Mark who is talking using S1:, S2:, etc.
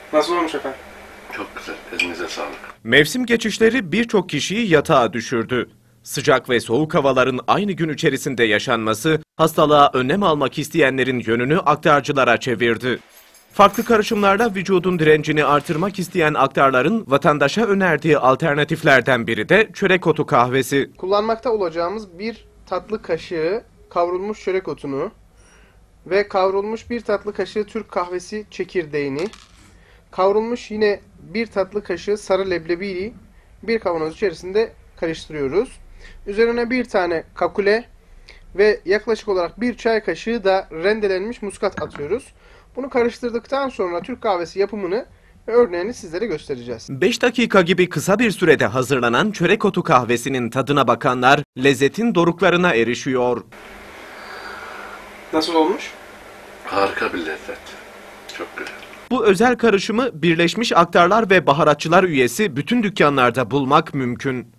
S1: Nasıl olmuş efendim?
S2: Çok güzel. Elinize sağlık.
S3: Mevsim geçişleri birçok kişiyi yatağa düşürdü. Sıcak ve soğuk havaların aynı gün içerisinde yaşanması, hastalığa önlem almak isteyenlerin yönünü aktarcılara çevirdi. Farklı karışımlarla vücudun direncini artırmak isteyen aktarların vatandaşa önerdiği alternatiflerden biri de çörek otu kahvesi.
S1: Kullanmakta olacağımız bir tatlı kaşığı kavrulmuş çörek otunu ve kavrulmuş bir tatlı kaşığı Türk kahvesi çekirdeğini, kavrulmuş yine bir tatlı kaşığı sarı leblebiyi bir kavanoz içerisinde karıştırıyoruz. Üzerine bir tane kakule ve yaklaşık olarak bir çay kaşığı da rendelenmiş muskat atıyoruz. Bunu karıştırdıktan sonra Türk kahvesi yapımını ve örneğini sizlere göstereceğiz.
S3: 5 dakika gibi kısa bir sürede hazırlanan çörek otu kahvesinin tadına bakanlar lezzetin doruklarına erişiyor.
S1: Nasıl olmuş?
S2: Harika bir lezzet. Çok güzel.
S3: Bu özel karışımı Birleşmiş Aktarlar ve Baharatçılar üyesi bütün dükkanlarda bulmak mümkün.